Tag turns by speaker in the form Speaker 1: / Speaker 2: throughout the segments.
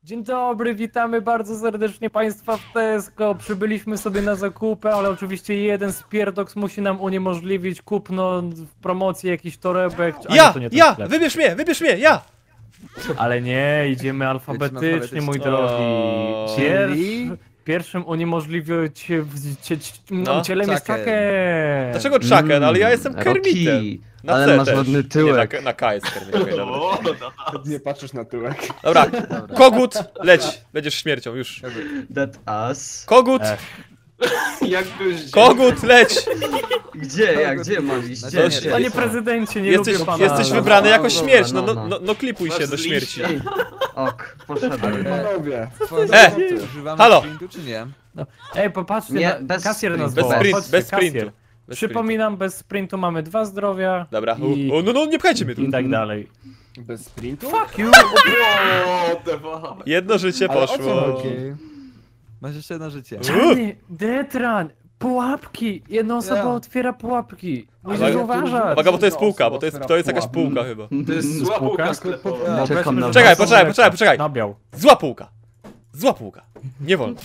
Speaker 1: Dzień dobry, witamy bardzo serdecznie Państwa w Tesco. Przybyliśmy sobie na zakupy, ale oczywiście jeden z pierdoks musi nam uniemożliwić kupno w promocji jakichś torebek. To nie ten sklep.
Speaker 2: Wybierz mnie, ja!
Speaker 1: Ale nie, idziemy alfabetycznie, mój drogi. Pierwszym uniemożliwił cielem jest Chucken.
Speaker 2: Dlaczego Chucken? Ale ja jestem Kermitem. Na
Speaker 3: ale
Speaker 2: C
Speaker 3: masz
Speaker 2: też.
Speaker 3: ładny tyłek.
Speaker 2: Nie, na K jest Kermit. Okay, dobra.
Speaker 4: Nie patrzysz na tyłek.
Speaker 2: Dobra, kogut, leć. Będziesz śmiercią, już.
Speaker 3: That us.
Speaker 2: Kogut,
Speaker 5: Jakbyś...
Speaker 2: kogut, leć.
Speaker 3: Gdzie mam iść? Gdzie?
Speaker 1: Panie prezydencie, nie lubię pana.
Speaker 2: Jesteś wybrany jako śmierć, no klipuj się do śmierci.
Speaker 3: Ok, poszedłem.
Speaker 4: Panowie.
Speaker 2: Halo.
Speaker 6: Czy nie?
Speaker 1: No. Ej, popatrzcie,
Speaker 3: Nie, bez
Speaker 1: kasjer nas
Speaker 3: sprintu.
Speaker 1: woła.
Speaker 2: Bez
Speaker 1: Chodźcie,
Speaker 2: sprintu.
Speaker 1: kasjer. Przypominam, bez sprintu mamy 2 zdrowia.
Speaker 2: Dobra,
Speaker 1: i,
Speaker 2: no nie pchajcie mnie tu.
Speaker 1: i tak dalej.
Speaker 4: Bez sprintu?
Speaker 1: Fuck you!
Speaker 5: What the fuck?
Speaker 2: Jedno życie
Speaker 4: Ale o co
Speaker 2: poszło.
Speaker 4: chodzi?
Speaker 6: Masz jeszcze jedno życie.
Speaker 1: Czarny, Detran, pułapki! Jedna osoba otwiera pułapki. Musisz
Speaker 4: Ale-
Speaker 1: uważać.
Speaker 2: Uwaga, bo to jest półka, bo to jest jakaś
Speaker 4: pułapki.
Speaker 2: półka chyba.
Speaker 5: To jest zła
Speaker 1: Spółka?
Speaker 5: półka sklepowa.
Speaker 1: No,
Speaker 3: Czekam
Speaker 1: weźmy,
Speaker 3: na
Speaker 1: że
Speaker 3: was.
Speaker 2: Poczekaj.
Speaker 1: Nabiał.
Speaker 2: Zła półka. Zła półka. Nie wolno.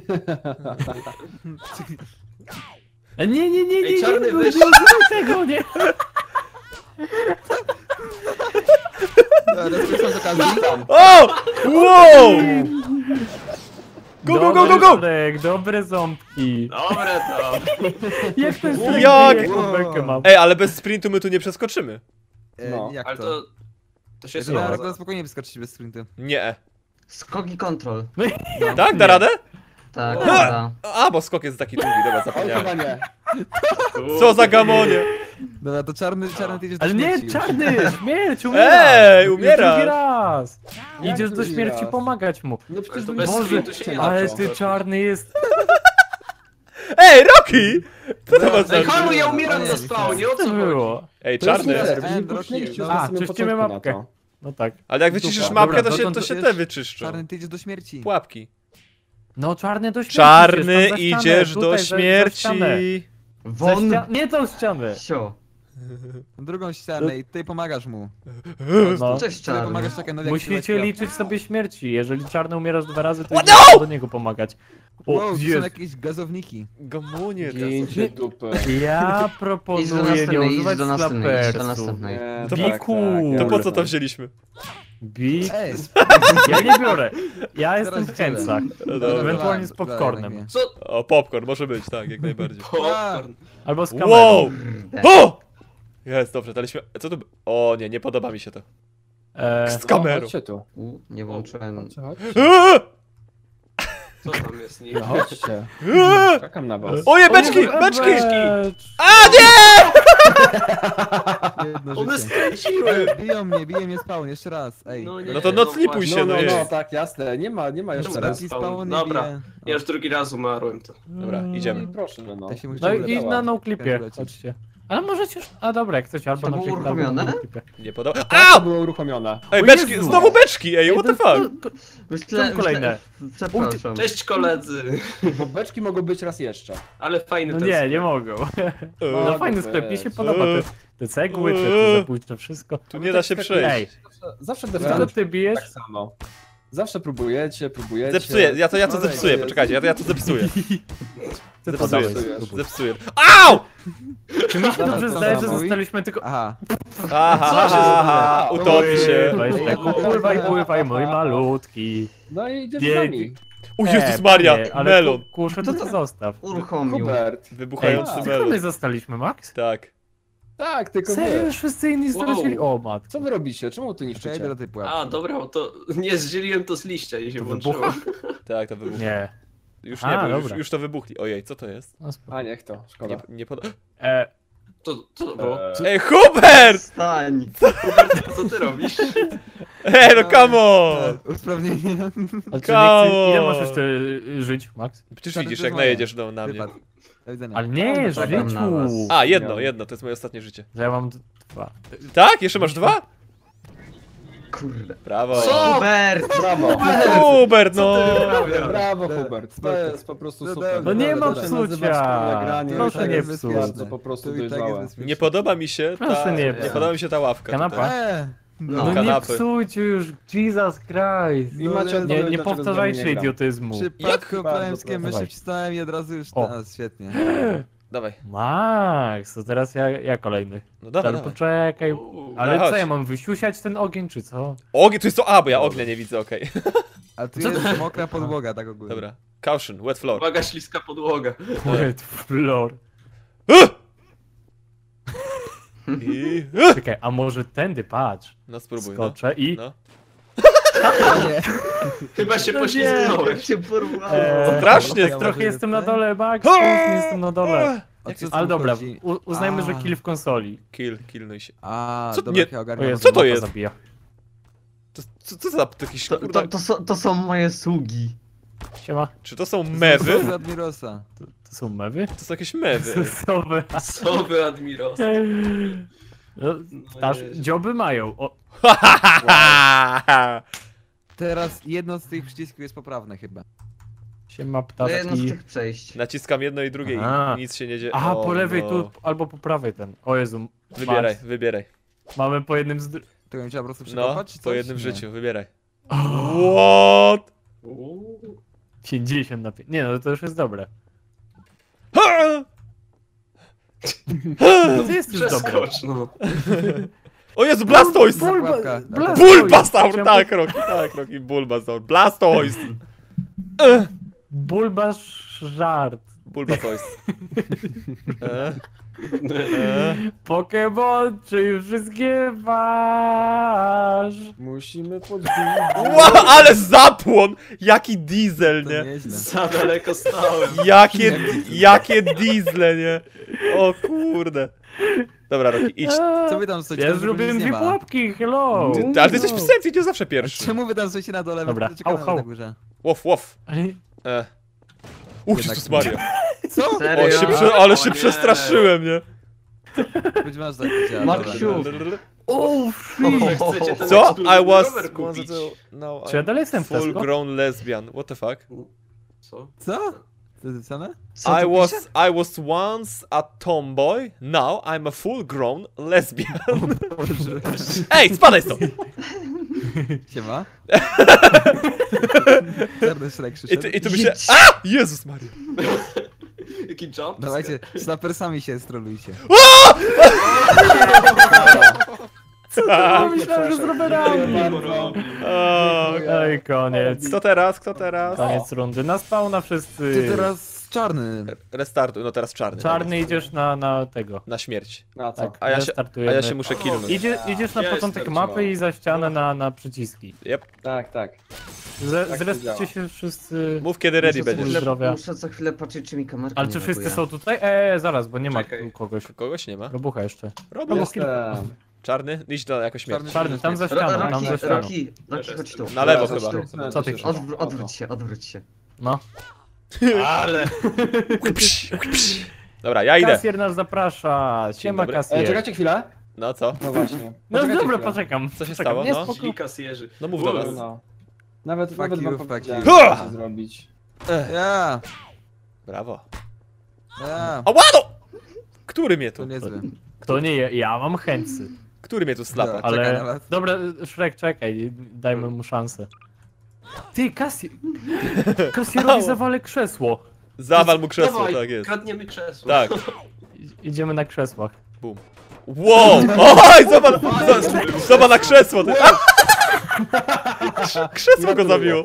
Speaker 1: Nie,
Speaker 5: Ej, czarny,
Speaker 1: nie
Speaker 5: weź.
Speaker 1: zrób tego, nie.
Speaker 6: Rozpoczynam z okazji.
Speaker 2: O! Wow! Go!
Speaker 1: Dobry, dobre ząbki.
Speaker 5: Dobre to.
Speaker 1: Jak to jest
Speaker 2: Jak?
Speaker 1: jaką bekę mam?
Speaker 2: Ej, ale bez sprintu my tu nie przeskoczymy.
Speaker 4: No.
Speaker 6: Jak
Speaker 5: Ale
Speaker 6: to?
Speaker 5: to... To się
Speaker 6: Ja
Speaker 5: sprawdza.
Speaker 6: na spokojnie wyskoczyć bez sprintu.
Speaker 2: Nie.
Speaker 3: Skoki kontrol.
Speaker 2: Tak? Da radę?
Speaker 3: Tak, dobra.
Speaker 2: A, bo skok jest taki długi, dobra,
Speaker 4: Oj,
Speaker 2: zapomniałem.
Speaker 4: chyba nie.
Speaker 2: Co za gamonie!
Speaker 6: Dobra, to czarny ty idziesz do
Speaker 1: Ale nie,
Speaker 6: śmierci.
Speaker 1: czarny, śmierć, umiera.
Speaker 2: Ej, umiera.
Speaker 1: Drugi raz.
Speaker 4: Jak
Speaker 1: Idziesz do
Speaker 4: drugi
Speaker 1: śmierci
Speaker 4: raz?
Speaker 1: pomagać mu.
Speaker 4: No przecież
Speaker 5: Ale to
Speaker 4: wy-
Speaker 5: bez
Speaker 1: Boże,
Speaker 5: sprintu się nie
Speaker 1: ale
Speaker 5: da.
Speaker 1: ty czarny jest...
Speaker 2: Ej, Rocky! Co to ma
Speaker 5: Ej,
Speaker 2: znaczyć?
Speaker 5: Halu, ja umieram na spawnie, o
Speaker 1: Co
Speaker 5: co
Speaker 1: to
Speaker 5: chodzi?
Speaker 1: było?
Speaker 2: Ej,
Speaker 4: To jest
Speaker 2: czarny.
Speaker 4: fair, wy nie
Speaker 6: Rocky,
Speaker 4: puszczaliście
Speaker 6: no.
Speaker 4: na
Speaker 1: A,
Speaker 4: samym
Speaker 1: czyścimy
Speaker 4: początku na
Speaker 1: mapkę.
Speaker 4: to.
Speaker 1: No tak.
Speaker 2: Ale jak wyciszysz
Speaker 1: Dobra,
Speaker 2: mapkę, to
Speaker 1: dotąd
Speaker 2: się
Speaker 1: wiesz-
Speaker 2: te wyczyszczą.
Speaker 6: Czarny ty idziesz do śmierci.
Speaker 2: Pułapki.
Speaker 1: No czarny do śmierci.
Speaker 2: Czarny,
Speaker 1: idziesz, tam za ścianę,
Speaker 2: idziesz do
Speaker 1: tutaj, za ścianę.
Speaker 2: śmierci.
Speaker 3: Won.
Speaker 1: Nie tą ścianę.
Speaker 3: Sio.
Speaker 6: Drugą ścianę i ty pomagasz mu.
Speaker 1: No.
Speaker 3: Cześć,
Speaker 6: Ty
Speaker 3: czarny.
Speaker 6: pomagasz Chuckenowi, jak
Speaker 1: Musicie
Speaker 6: się
Speaker 1: liczyć sobie śmierci. Jeżeli czarny umierasz 2 razy, to
Speaker 2: What?
Speaker 1: idziesz
Speaker 2: No!
Speaker 1: do niego pomagać. O,
Speaker 6: Wow, to są
Speaker 1: Jezu.
Speaker 6: jakieś gazowniki.
Speaker 2: Gamonie.
Speaker 4: Gięcie dupy.
Speaker 1: Ja
Speaker 3: Idź do
Speaker 1: proponuję nie
Speaker 3: następnej, idź
Speaker 1: używać
Speaker 3: do następnej, idź do
Speaker 1: slapersu.
Speaker 3: następnej.
Speaker 4: Nie,
Speaker 2: To
Speaker 4: tak,
Speaker 1: cool.
Speaker 4: tak,
Speaker 2: To
Speaker 4: ja
Speaker 2: po co to
Speaker 4: wiem.
Speaker 2: wzięliśmy?
Speaker 1: Big.
Speaker 6: Ej,
Speaker 1: Ja nie biorę. Ja jestem w
Speaker 6: Teraz
Speaker 1: chęcach.
Speaker 2: No dobra.
Speaker 1: Ewentualnie z popcornem.
Speaker 5: Co?
Speaker 2: O, popcorn, może być, tak, jak najbardziej.
Speaker 5: Popcorn.
Speaker 1: Albo z kamerą.
Speaker 2: Wow! O! Jest, dobrze, daliśmy... Co to... O nie, nie podoba mi się to. Z kamerą.
Speaker 4: Chodźcie tu.
Speaker 3: Nie włączyłem.
Speaker 4: Chodźcie, chodźcie.
Speaker 2: Eee!
Speaker 5: Co tam jest? Nie.
Speaker 4: No chodźcie.
Speaker 2: Eee!
Speaker 4: Czekam na was.
Speaker 2: Oje, beczki! Beczki!
Speaker 1: Becz.
Speaker 2: A nie!
Speaker 6: jedno
Speaker 5: One
Speaker 6: życie.
Speaker 5: skręciły!
Speaker 6: Biją mnie spawn, jeszcze raz. Ej.
Speaker 5: nie,
Speaker 2: No to noclipuj
Speaker 5: właśnie.
Speaker 2: się,
Speaker 4: No,
Speaker 2: no
Speaker 4: no, no,
Speaker 2: jest.
Speaker 4: tak, jasne. Nie ma jeszcze
Speaker 5: Dobra.
Speaker 4: raz.
Speaker 6: Taki spawn nie
Speaker 5: Dobra.
Speaker 6: bije.
Speaker 5: Ja już drugi raz umarłem to.
Speaker 2: Dobra, idziemy.
Speaker 4: Proszę, no.
Speaker 6: Ja się muszę
Speaker 1: No i
Speaker 6: ulepić.
Speaker 1: na noclipie, chodźcie. Ale możecie już... A dobra, jak chcecie, albo
Speaker 3: To
Speaker 1: na
Speaker 3: było
Speaker 1: przykład albo
Speaker 3: uruchomione?
Speaker 1: na noclipie.
Speaker 2: Nie podoba...
Speaker 4: To
Speaker 2: Au!
Speaker 4: było uruchomione.
Speaker 2: Ej,
Speaker 1: O
Speaker 2: beczki!
Speaker 1: Jezu!
Speaker 2: Znowu beczki! Ej, what the fuck?
Speaker 1: Są kolejne.
Speaker 3: Przepraszam.
Speaker 5: Cześć koledzy!
Speaker 4: Bo beczki mogą być raz jeszcze.
Speaker 5: Ale fajny
Speaker 1: No
Speaker 5: ten
Speaker 1: nie,
Speaker 5: sklep.
Speaker 1: nie mogą.
Speaker 2: Eee,
Speaker 1: No fajny sklep, mi się podoba. Te cegły, te zabójcze, wszystko.
Speaker 2: Tu nie da się
Speaker 1: Ej,
Speaker 2: przejść.
Speaker 4: Zawsze
Speaker 1: co
Speaker 4: defense
Speaker 1: ty bijesz?
Speaker 4: tak samo. Zawsze próbujecie.
Speaker 2: Zepsuję, ja to zepsuję, poczekajcie, ja to zepsuję.
Speaker 1: Co to
Speaker 2: Zepsuję,
Speaker 1: dałeś?
Speaker 2: zepsuję. Au!
Speaker 1: Czy mi się dobrze
Speaker 6: to
Speaker 1: zdaje, że
Speaker 6: samo.
Speaker 1: zostaliśmy tylko...
Speaker 6: Aha.
Speaker 2: Aha, utopi się.
Speaker 1: Weź tak, pływaj, mój malutki.
Speaker 4: No i idzie
Speaker 1: Nie,
Speaker 4: z nami.
Speaker 2: O Jezus Maria,
Speaker 1: nie, ale
Speaker 2: melon.
Speaker 1: Kuszę, to zostaw.
Speaker 3: Uruchomił.
Speaker 4: Hubert.
Speaker 1: Ej,
Speaker 2: Wybuchający
Speaker 1: tylko
Speaker 2: melon.
Speaker 1: my zostaliśmy, Max?
Speaker 2: Tak.
Speaker 4: Tak, tylko
Speaker 1: Serio,
Speaker 4: wy.
Speaker 1: już wszyscy inni stracili? O, matko.
Speaker 4: Co wy robicie? Czemu tu
Speaker 6: Ja idę
Speaker 4: niszczycie?
Speaker 6: do tej pułapki.
Speaker 5: A, dobra, bo to nie zdzieliłem to z liścia i się
Speaker 1: To
Speaker 5: włączyło.
Speaker 1: wybucha?
Speaker 2: Tak, to wybuchło.
Speaker 1: Nie.
Speaker 2: Już
Speaker 1: A,
Speaker 2: nie, bo
Speaker 1: dobra.
Speaker 2: już to wybuchli. Ojej, co to jest?
Speaker 1: No, spoko.
Speaker 4: A niech to, szkoda.
Speaker 2: Nie podoba...
Speaker 5: Co to było?
Speaker 2: Ej, Hubert!
Speaker 3: Stań.
Speaker 5: Co ty robisz?
Speaker 2: Ej, no come on!
Speaker 6: Usprawnienie.
Speaker 1: Ale czy
Speaker 2: Come
Speaker 1: nie chcę, ile
Speaker 2: on.
Speaker 1: możesz jeszcze żyć, Max?
Speaker 2: Przecież
Speaker 6: To
Speaker 2: widzisz,
Speaker 6: jest
Speaker 2: jak
Speaker 6: moje.
Speaker 2: najedziesz na mnie.
Speaker 6: Wypad. Do widzenia.
Speaker 1: Ale nie,
Speaker 3: czekam na
Speaker 1: życiu!
Speaker 3: was.
Speaker 2: A, jedno, to jest moje ostatnie życie.
Speaker 1: Że ja mam 2.
Speaker 2: Tak? Jeszcze masz 2?
Speaker 3: Kurde.
Speaker 2: Brawo.
Speaker 5: Co?
Speaker 3: Hubert!
Speaker 4: Brawo!
Speaker 2: Hubert, no!
Speaker 4: Brawo, Hubert! To jest po prostu
Speaker 6: No
Speaker 4: super.
Speaker 1: No nie ma
Speaker 4: To się nazywa
Speaker 1: psucia.
Speaker 4: wspólne granie,
Speaker 1: Proszę
Speaker 4: to
Speaker 1: nie
Speaker 4: jest
Speaker 1: psuć.
Speaker 4: bardzo po prostu
Speaker 6: Tu i tak jest
Speaker 4: dojrzałe.
Speaker 6: bezpiecznie.
Speaker 2: Nie podoba mi się
Speaker 1: Proszę
Speaker 2: ta...
Speaker 1: nie
Speaker 2: Nie
Speaker 1: psuć.
Speaker 2: podoba mi się ta ławka
Speaker 1: Kanapa?
Speaker 2: tutaj.
Speaker 1: No nie
Speaker 2: kanapy.
Speaker 1: psujcie już, Jesus Christ.
Speaker 4: I macie
Speaker 1: Nie,
Speaker 4: odpowiedź,
Speaker 1: nie
Speaker 4: dlaczego
Speaker 1: powtarzajcie
Speaker 4: z nami nie gram.
Speaker 1: idiotyzmu.
Speaker 6: Przypadku
Speaker 4: bardzo
Speaker 6: plemskie myszy
Speaker 1: proszę.
Speaker 6: wcisnąłem i od razu już
Speaker 1: O.
Speaker 6: teraz, świetnie.
Speaker 2: Dawaj.
Speaker 1: Max, to teraz ja kolejny.
Speaker 2: No dawaj,
Speaker 1: Ale
Speaker 2: dawaj.
Speaker 1: poczekaj. Ale
Speaker 2: No chodź.
Speaker 1: co, ja mam wysiusiać ten ogień, czy co?
Speaker 2: Ogień, to jest to... A, bo ja ognia nie widzę, okej.
Speaker 6: A tu jest mokra podłoga, tak ogólnie.
Speaker 2: Dobra. Caution, wet floor.
Speaker 5: Uwaga, śliska podłoga.
Speaker 1: Wet floor.
Speaker 2: I...
Speaker 1: Czekaj, a może tędy, patrz.
Speaker 2: No spróbuj, no.
Speaker 1: Skoczę i...
Speaker 2: No.
Speaker 6: Nie.
Speaker 5: Chyba się
Speaker 1: No
Speaker 5: poślizgnąłem.
Speaker 3: Jak się porwało.
Speaker 2: Strasznie,
Speaker 6: Ja
Speaker 1: Trochę
Speaker 6: może
Speaker 1: jestem na
Speaker 6: lecę?
Speaker 1: dole, Max, trochę jestem na dole.
Speaker 6: O co
Speaker 1: Ale
Speaker 6: tu
Speaker 1: dobra,
Speaker 6: chodzi?
Speaker 1: uznajmy, że
Speaker 6: A.
Speaker 1: kill w konsoli.
Speaker 2: Killnuj się.
Speaker 6: A,
Speaker 2: Co-
Speaker 6: dobra,
Speaker 2: nie-
Speaker 6: ja
Speaker 1: O
Speaker 6: ogarniam.
Speaker 1: Jezu,
Speaker 2: Co to
Speaker 1: mapa
Speaker 2: jest?
Speaker 1: Zabija.
Speaker 2: Co za jakiś kurwa...
Speaker 3: To są moje sługi.
Speaker 1: Siema.
Speaker 2: Czy to są mewy?
Speaker 6: Z Admirosa.
Speaker 1: To są mewy?
Speaker 2: To są jakieś mewy.
Speaker 1: Sosowe.
Speaker 5: Sowy Admiros.
Speaker 1: No, dzioby mają. O,
Speaker 6: Teraz jedno z tych przycisków jest poprawne chyba.
Speaker 1: siema
Speaker 3: To jedno z
Speaker 1: ptaszki.
Speaker 3: tych przejść.
Speaker 2: Naciskam jedno i drugie
Speaker 1: Aha.
Speaker 2: i nic się nie dzieje.
Speaker 1: Aha,
Speaker 2: O,
Speaker 1: po lewej
Speaker 2: no.
Speaker 1: tu, albo po prawej ten. O Jezu.
Speaker 2: Wybieraj,
Speaker 1: Max,
Speaker 2: wybieraj.
Speaker 1: mamy po jednym z...
Speaker 6: To bym trzeba po prostu
Speaker 2: No,
Speaker 6: przekopać, czy
Speaker 2: po
Speaker 6: coś?
Speaker 2: jednym
Speaker 6: Nie.
Speaker 2: życiu, wybieraj. What?
Speaker 1: 50 na 5. Nie no, to już jest dobre.
Speaker 2: Ha!
Speaker 1: No to jest już dobre.
Speaker 5: Przeskocz, no.
Speaker 2: O Jezu, Blastoise!
Speaker 6: Pułapka.
Speaker 2: Bulbasaur, tak, Rocky, Bulbasaur. Blastoise!
Speaker 1: Bulbasz żart.
Speaker 2: Bulbasaur.
Speaker 1: Pokémon, czy już wszystkie masz?
Speaker 4: Musimy podbić.
Speaker 2: Wow, ale zapłon! Jaki diesel,
Speaker 6: To
Speaker 2: nie?
Speaker 6: nieźle.
Speaker 5: Za daleko stałem.
Speaker 2: Jakie diesle, nie? O kurde. Dobra, Rocky, idź.
Speaker 6: Co wy tam stoicie?
Speaker 1: Ja
Speaker 6: Tam
Speaker 1: zrobiłem
Speaker 6: nic nie
Speaker 1: dwie
Speaker 6: ma.
Speaker 1: pułapki, hello!
Speaker 2: Ale ty jesteś psem, ty nie zawsze pierwszy.
Speaker 6: Czemu wy tam stoicie na dole?
Speaker 1: Dobra,
Speaker 6: My czekamy
Speaker 1: hał, hał.
Speaker 6: na górze.
Speaker 2: Łow.
Speaker 1: Ale-
Speaker 2: Jezus Maria.
Speaker 6: Co?
Speaker 3: Serio?
Speaker 2: Ale
Speaker 5: O
Speaker 2: się
Speaker 5: nie.
Speaker 2: przestraszyłem, nie?
Speaker 6: Być może tak działa.
Speaker 3: Maksiu.
Speaker 1: O,
Speaker 5: Może chcecie ten
Speaker 2: Co?
Speaker 5: ekskluzywny
Speaker 2: I was...
Speaker 5: rower kupić?
Speaker 2: No,
Speaker 1: Czy ja dalej jestem w
Speaker 2: full
Speaker 1: Tesco?
Speaker 2: grown lesbian. What the fuck?
Speaker 5: Co?
Speaker 6: Co? To jest same?
Speaker 3: Co tu pisze?
Speaker 2: I was once a tomboy, now I'm a full grown lesbian. Ej, spadaj stąd!
Speaker 6: Siema. Czarny Shrek przyszedł.
Speaker 2: I tu by się... A! Jezus Maria.
Speaker 5: Jaki jump?
Speaker 6: Dawajcie, snapersami się strolujcie.
Speaker 1: Myślałem, że z rowerami.
Speaker 2: O,
Speaker 1: Ej, koniec.
Speaker 2: Kto teraz? Kto teraz?
Speaker 1: Koniec rundy. Na spawna wszyscy.
Speaker 6: Ty teraz czarny.
Speaker 2: Restartuj, no teraz czarny.
Speaker 1: Czarny idziesz na tego.
Speaker 2: Na śmierć.
Speaker 4: Na co?
Speaker 1: Tak,
Speaker 2: A ja
Speaker 1: restartujemy.
Speaker 2: się muszę killnąć.
Speaker 1: Idziesz na
Speaker 5: Ja
Speaker 1: początek
Speaker 5: jestem,
Speaker 1: mapy i za ścianę na przyciski.
Speaker 2: Yep.
Speaker 4: Tak, tak.
Speaker 1: Zreszcie
Speaker 4: działa.
Speaker 1: się wszyscy.
Speaker 2: Mów kiedy ready
Speaker 3: Muszę co
Speaker 2: będziesz.
Speaker 3: chwilę-
Speaker 1: Zdrowia.
Speaker 3: Muszę co chwilę patrzeć, czy mi kamerka
Speaker 1: Ale
Speaker 3: nie
Speaker 1: czy wszyscy
Speaker 3: laguje.
Speaker 1: są tutaj? Zaraz, bo nie ma
Speaker 5: Czekaj.
Speaker 1: tu kogoś.
Speaker 2: Kogoś nie ma.
Speaker 1: Robucha jeszcze.
Speaker 2: Robię.
Speaker 4: Jestem.
Speaker 2: Czarny? Idź do jako śmierć.
Speaker 1: Czarny, tam za ścianą, tam za ścianą.
Speaker 3: Roki, chodź tu.
Speaker 2: Na lewo
Speaker 3: Chodź
Speaker 2: chyba.
Speaker 3: tu.
Speaker 1: Co ty chcesz?
Speaker 3: Odwróć się.
Speaker 1: No.
Speaker 5: Ale...
Speaker 2: Dobra, ja idę.
Speaker 1: Kasjer nas zaprasza. Siema
Speaker 2: dobry.
Speaker 1: kasjer.
Speaker 4: Czekajcie chwilę.
Speaker 2: No co?
Speaker 4: No właśnie.
Speaker 1: No
Speaker 4: Poczekajcie
Speaker 1: dobra,
Speaker 4: chwilę.
Speaker 1: poczekam.
Speaker 2: Co się
Speaker 1: Poczekam.
Speaker 2: stało?
Speaker 1: Nie,
Speaker 2: No.
Speaker 1: spoko.
Speaker 5: Źli kasjerzy.
Speaker 2: No mów do nas.
Speaker 4: No. Nawet
Speaker 6: Fuck
Speaker 4: wam
Speaker 6: you, fuck
Speaker 4: powiedziałem,
Speaker 6: you.
Speaker 4: co chcę zrobić.
Speaker 6: Ja!
Speaker 2: Brawo.
Speaker 6: Ja!
Speaker 2: A łado! Który mnie
Speaker 6: To
Speaker 2: tu?
Speaker 6: niezły.
Speaker 1: Kto nie je? Ja mam chęcy.
Speaker 2: Który mnie tu slapa?
Speaker 6: Dobra. Czekaj na
Speaker 1: Ale...
Speaker 6: was.
Speaker 1: Dobra, Shrek, czekaj. Dajmy mu szansę. Ty, Kasjerowi zawalę krzesło.
Speaker 2: Zawal mu krzesło,
Speaker 5: Dawaj,
Speaker 2: tak jest.
Speaker 5: kradniemy krzesło.
Speaker 2: Tak.
Speaker 1: Idziemy na krzesłach.
Speaker 2: Bum. Wow! Oj, zobacz na krzesło! Ty. Krzesło go zabiło!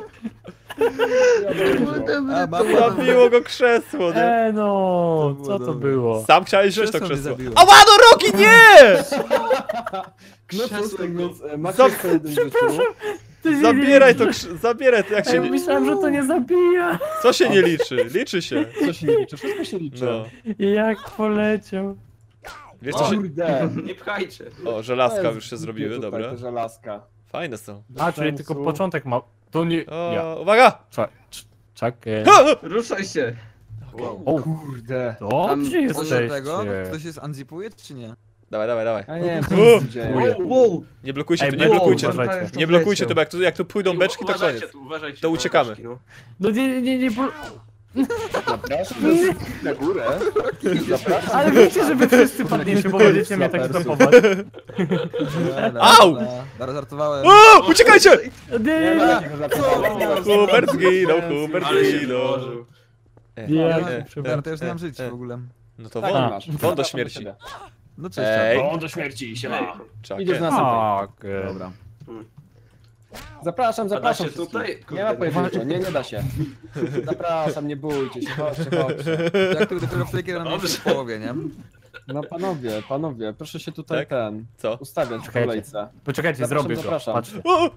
Speaker 6: A, mapa.
Speaker 2: Zabiło go krzesło, nie?
Speaker 1: No,
Speaker 6: To było
Speaker 1: co to
Speaker 6: dobre.
Speaker 1: było?
Speaker 2: Sam chciałeś wziąć to
Speaker 6: Krzesło mnie
Speaker 2: krzesło.
Speaker 6: zabiło.
Speaker 2: A łado, Roki, nie!
Speaker 4: No to
Speaker 5: Krzesło
Speaker 4: tak
Speaker 5: go.
Speaker 4: więc macie
Speaker 2: Za-
Speaker 4: jeszcze jeden życiu.
Speaker 2: Zabieraj to, zabieraj to, jak
Speaker 1: A
Speaker 2: się
Speaker 1: ja
Speaker 2: nie...
Speaker 1: myślałem, że to nie zabija.
Speaker 2: Co się nie liczy? Liczy się.
Speaker 4: Co się nie liczy? Wszystko się liczy.
Speaker 2: No.
Speaker 1: Jak poleciał.
Speaker 2: Wiesz co się...
Speaker 4: Kurde.
Speaker 5: Nie pchajcie.
Speaker 2: O, żelazka już się zrobiły,
Speaker 4: Tutaj
Speaker 2: dobra.
Speaker 4: te żelazka.
Speaker 2: Fajne są.
Speaker 1: A, czyli tylko początek ma... To nie... Ja.
Speaker 2: O, uwaga!
Speaker 1: Czekaj.
Speaker 3: Ruszaj się.
Speaker 1: O,
Speaker 4: Kurde.
Speaker 1: dobrze
Speaker 6: Co
Speaker 1: jesteście.
Speaker 6: tego? Ktoś jest unzipuje, czy nie?
Speaker 2: Dawaj, dawaj, dawaj.
Speaker 4: A nie wiem, co się dzieje.
Speaker 3: Wow.
Speaker 2: Nie blokujcie
Speaker 1: Ej,
Speaker 2: tu,
Speaker 1: bo-
Speaker 2: nie blokujcie.
Speaker 1: uważajcie.
Speaker 2: Nie blokujcie tu, bo jak tu pójdziemy pójdą beczki, to
Speaker 5: Uważajcie
Speaker 2: koniec.
Speaker 5: tu, uważajcie
Speaker 2: To
Speaker 5: na
Speaker 2: uciekamy.
Speaker 5: beczki, no.
Speaker 1: No nie,
Speaker 4: Zapraszam na górę. Zapraszam.
Speaker 1: Ale wiecie, że wy wszyscy padniecie, bo będziecie mnie tak stopować.
Speaker 2: Au!
Speaker 6: Dobra, żartowałem.
Speaker 2: O, uciekajcie!
Speaker 1: Nie,
Speaker 4: ma takiego zapraszania.
Speaker 2: Hubert zginął, Hubert
Speaker 5: Ale się
Speaker 2: zginął.
Speaker 5: wyłożył.
Speaker 6: Dobra, to już nie mam żyć w ogóle.
Speaker 2: No to
Speaker 4: Tak,
Speaker 2: won,
Speaker 4: masz.
Speaker 2: won do śmierci.
Speaker 6: No cześć.
Speaker 2: Ej.
Speaker 4: O, do śmierci się ma.
Speaker 2: Czekaj.
Speaker 4: Idziesz na następny.
Speaker 1: Tak.
Speaker 6: Dobra.
Speaker 4: Zapraszam,
Speaker 5: A da
Speaker 4: zapraszam
Speaker 5: się
Speaker 4: wszystkich.
Speaker 5: tutaj?
Speaker 4: Nie ma
Speaker 5: Kurde.
Speaker 4: pojedynczo, nie da się. Zapraszam, nie bójcie się, chodźcie.
Speaker 6: Jak to dopiero wtedy, kiedy nam
Speaker 5: Dobrze.
Speaker 6: jest w połowie, nie?
Speaker 4: No panowie, proszę się tutaj
Speaker 2: Tak? Co?
Speaker 4: ustawiać w
Speaker 1: Czekajcie.
Speaker 4: kolejce.
Speaker 1: Poczekajcie,
Speaker 4: Zapraszam,
Speaker 1: zrobię to.
Speaker 4: zapraszam.
Speaker 1: Patrzcie.
Speaker 2: O!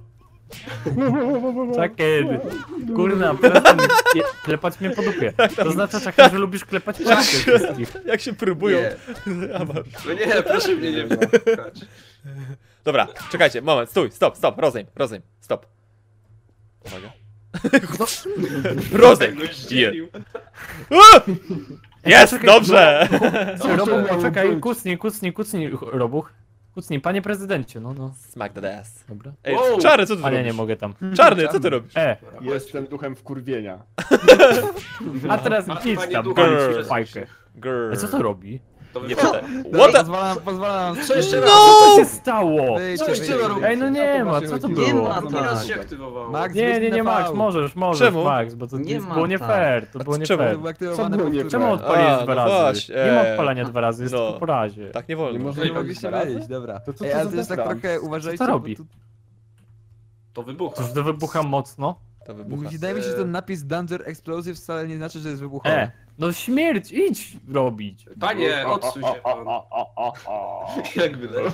Speaker 1: Czekaj. Kurna, przestań klepać mnie po dupie. To znaczy, czekaj, że lubisz klepać po dupie wszystkich.
Speaker 2: Jak się próbują.
Speaker 5: Nie.
Speaker 2: A, masz.
Speaker 5: No nie, proszę mnie nie wypchać.
Speaker 2: Dobra, czekajcie, moment, stój, stop, rozejm, stop. Uwaga. Rozejm!
Speaker 5: Tak go zdzielił.
Speaker 2: Jest, dobrze!
Speaker 1: Robuch, poczekaj, kucnij, Robuch. Kucnij, panie prezydencie, no.
Speaker 2: Smack the ass.
Speaker 1: Dobra.
Speaker 2: Ej,
Speaker 5: Wow.
Speaker 2: Czarny, co ty
Speaker 1: A nie, nie
Speaker 2: robisz?
Speaker 1: mogę tam.
Speaker 2: Czarny, co ty robisz?
Speaker 4: Jestem duchem wkurwienia.
Speaker 1: A teraz
Speaker 5: Panie
Speaker 1: idź tam,
Speaker 5: duchu,
Speaker 1: palić
Speaker 2: grr.
Speaker 1: fajkę.
Speaker 2: Grr.
Speaker 1: A co to robi?
Speaker 5: To
Speaker 2: Nie
Speaker 5: wypchaj.
Speaker 2: pytaj. What the...
Speaker 6: Pozwalam.
Speaker 5: Co jeszcze raz?
Speaker 1: Co się stało?
Speaker 6: Wyjdźcie,
Speaker 1: Ej, no nie ma, co to
Speaker 3: Nie
Speaker 1: było?
Speaker 3: ma
Speaker 5: Drugi raz
Speaker 3: tak.
Speaker 5: się aktywowało.
Speaker 6: Max,
Speaker 1: Nie, Max, możesz,
Speaker 2: Czemu?
Speaker 1: Max, bo to
Speaker 3: Nie ma
Speaker 1: było nie
Speaker 3: tak.
Speaker 1: fair, to było nie
Speaker 2: czemu?
Speaker 1: fair.
Speaker 6: To było aktywowane
Speaker 4: Co było nie
Speaker 6: powtórnie.
Speaker 1: Czemu odpaliłeś
Speaker 2: A,
Speaker 1: dwa
Speaker 2: no
Speaker 1: razy?
Speaker 2: właśnie,
Speaker 1: Nie ma odpalania dwa razy, jest
Speaker 2: no.
Speaker 1: tylko po razie.
Speaker 2: Tak nie wolno.
Speaker 4: Nie można
Speaker 6: Nie
Speaker 4: robić
Speaker 6: mogliście
Speaker 4: dwa razy?
Speaker 6: wyjść, dobra.
Speaker 4: To co
Speaker 6: Ej,
Speaker 4: to
Speaker 6: ale
Speaker 4: za
Speaker 6: to jest tak
Speaker 4: zapran?
Speaker 6: trochę, uważajcie,
Speaker 1: Co
Speaker 6: bo
Speaker 1: robi?
Speaker 6: tu-
Speaker 5: To wybucha.
Speaker 1: Cóż, to wybucha mocno.
Speaker 2: To wybucha.
Speaker 6: Wydaje mi się, że ten napis Danger Explosive wcale nie znaczy, że jest wybuchowy.
Speaker 1: No śmierć, idź robić.
Speaker 5: Panie, odsuń się pan. Jak wyleciał.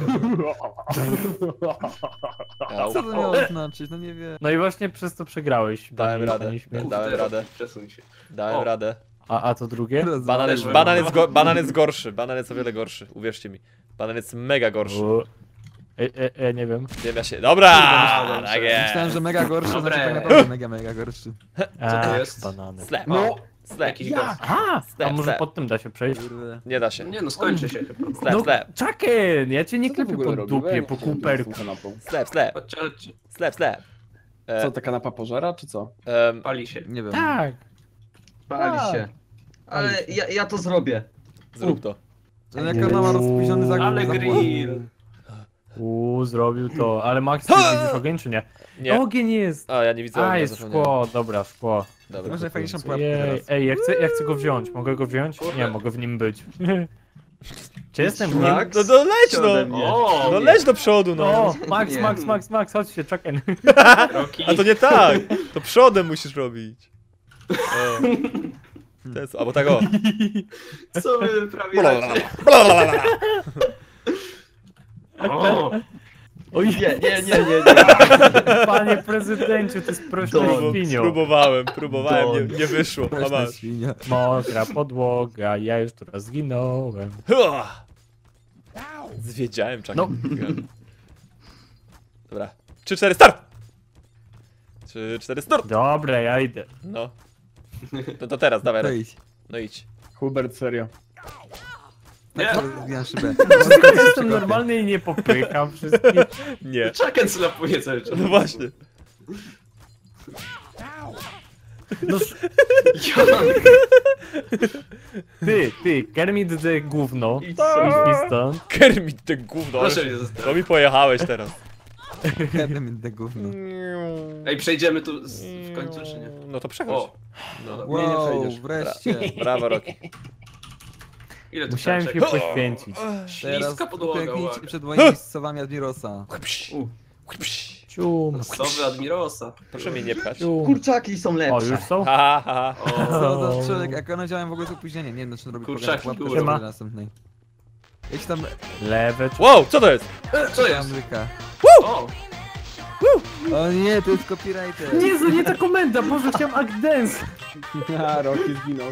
Speaker 2: Au.
Speaker 6: Co to miało znaczyć? No nie wiem.
Speaker 1: No i właśnie przez to przegrałeś.
Speaker 2: Dałem
Speaker 1: pani-
Speaker 2: radę.
Speaker 1: pani śmierć.
Speaker 2: Dałem radę.
Speaker 5: Przesuń się.
Speaker 2: Dałem
Speaker 5: O.
Speaker 2: radę.
Speaker 1: A to drugie?
Speaker 2: Banan jest gorszy. Banan jest o wiele gorszy. Uwierzcie mi. Banan jest mega gorszy.
Speaker 1: Nie wiem.
Speaker 2: Nie wiem, ja się... Dobra!
Speaker 5: Myślałem,
Speaker 2: Tak
Speaker 6: Myślałem,
Speaker 2: jest.
Speaker 6: że mega gorszy,
Speaker 5: Dobre.
Speaker 6: znaczy tak naprawdę mega gorszy.
Speaker 1: A,
Speaker 5: jest?
Speaker 1: banany.
Speaker 2: Slap.
Speaker 5: No.
Speaker 2: Slap.
Speaker 5: Jakiś gaz.
Speaker 1: A
Speaker 2: Step,
Speaker 1: może
Speaker 2: step.
Speaker 1: pod tym da się przejść?
Speaker 6: Kurde.
Speaker 2: Nie da się.
Speaker 5: Nie no, skończy się chyba.
Speaker 2: Slap,
Speaker 1: No,
Speaker 2: slap.
Speaker 1: Chucken, ja cię nie
Speaker 4: Co ty w
Speaker 1: klepię
Speaker 4: ogóle
Speaker 1: po
Speaker 4: robisz?
Speaker 1: dupie, po kuperku.
Speaker 2: Slap, slap.
Speaker 5: Chodźcie, chodźcie.
Speaker 2: Slap, slap.
Speaker 4: Co, ta kanapa pożera, czy co?
Speaker 5: Pali się.
Speaker 6: Nie wiem.
Speaker 1: Tak.
Speaker 3: Pali
Speaker 4: Tak.
Speaker 3: się. Ale ja to zrobię.
Speaker 2: Zrób to.
Speaker 6: No jak ona ma rozpóźniony zakup.
Speaker 5: Ale grill.
Speaker 1: Zrobił to. Ale Max, ty widzisz ogień czy nie?
Speaker 2: Nie.
Speaker 1: Ogień jest.
Speaker 2: A, ja nie widzę.
Speaker 1: A,
Speaker 2: ognia,
Speaker 1: jest
Speaker 2: zapomniałem.
Speaker 1: szkło, dobra, szkło.
Speaker 2: Dobra.
Speaker 6: Może fajniejszą pułapkę
Speaker 1: Jej,
Speaker 6: teraz.
Speaker 1: ej, ja chcę go wziąć. Mogę go wziąć? Nie, mogę w nim być. Czy jestem w nim?
Speaker 3: Max?
Speaker 2: No to leć
Speaker 3: Ode
Speaker 2: no!
Speaker 3: mnie.
Speaker 5: O,
Speaker 2: No leć do przodu no!
Speaker 1: No,
Speaker 3: Nie.
Speaker 1: Max, chodź się, Chucken.
Speaker 5: Roki.
Speaker 2: A to nie tak! To przodem musisz robić. O. To jest, albo tak o.
Speaker 5: Co wy wyprawiacie? O,
Speaker 1: Oj,
Speaker 3: Nie.
Speaker 1: panie prezydencie, to jest prośna świnio.
Speaker 2: Próbowałem, nie wyszło. A
Speaker 6: Prośna
Speaker 2: masz.
Speaker 6: świnia.
Speaker 1: Mokra podłoga, ja już tu raz zginąłem.
Speaker 2: Zwiedziałem czak.
Speaker 1: No.
Speaker 2: Dobra. 3-4 start! 3-4 start!
Speaker 1: Dobra, ja idę.
Speaker 2: No. To teraz, dawaj. Roki.
Speaker 6: Wejdź.
Speaker 2: No idź.
Speaker 4: Hubert, serio.
Speaker 5: nie.
Speaker 6: Zginam szybę.
Speaker 1: Jestem normalny i nie popycham wszystkich.
Speaker 2: Nie.
Speaker 5: Chucken slapuje cały czas.
Speaker 2: No właśnie.
Speaker 1: No, ty, Kermit the gówno.
Speaker 5: Idź
Speaker 1: Idź
Speaker 5: sobie.
Speaker 1: mi stąd.
Speaker 2: Kermit, ty gówno.
Speaker 5: Proszę mnie zostawić.
Speaker 2: To mi pojechałeś teraz.
Speaker 6: Kedem inne gówno.
Speaker 5: Ej, przejdziemy tu w końcu, czy nie?
Speaker 2: No to przechodź.
Speaker 5: O. No dobra.
Speaker 4: Nie
Speaker 6: Wow,
Speaker 4: przejdziesz.
Speaker 6: wreszcie.
Speaker 2: Brawo, Roki.
Speaker 5: Ile tu
Speaker 1: Musiałem
Speaker 5: trzeba
Speaker 1: się
Speaker 5: czekać?
Speaker 1: poświęcić.
Speaker 6: Teraz
Speaker 5: Śliska podłoga,
Speaker 6: klęknijcie
Speaker 5: uwaga.
Speaker 6: przed moimi słowami Admirosa.
Speaker 1: Cium,
Speaker 5: Sowy Admirosa.
Speaker 2: Proszę mnie nie pchać.
Speaker 1: cium.
Speaker 3: Kurczaki są
Speaker 1: O,
Speaker 3: lepsze.
Speaker 1: już są?
Speaker 2: Ha, ha, ha.
Speaker 5: O,
Speaker 6: Co za człowiek, jak one działają w ogóle z opóźnieniem. Nie wiem, czy on robi
Speaker 5: Kurczaki,
Speaker 6: pułapkę
Speaker 5: kurwa.
Speaker 6: żeby do następnej. Jedź tam,
Speaker 1: Lewe,
Speaker 2: Wow, co to jest?
Speaker 5: co jest?
Speaker 6: Ameryka.
Speaker 5: O,
Speaker 6: O nie, to jest copywriter.
Speaker 1: Jezu, nie ta komenda, Boże, chciałem act dance.
Speaker 4: A, Rocky zginął.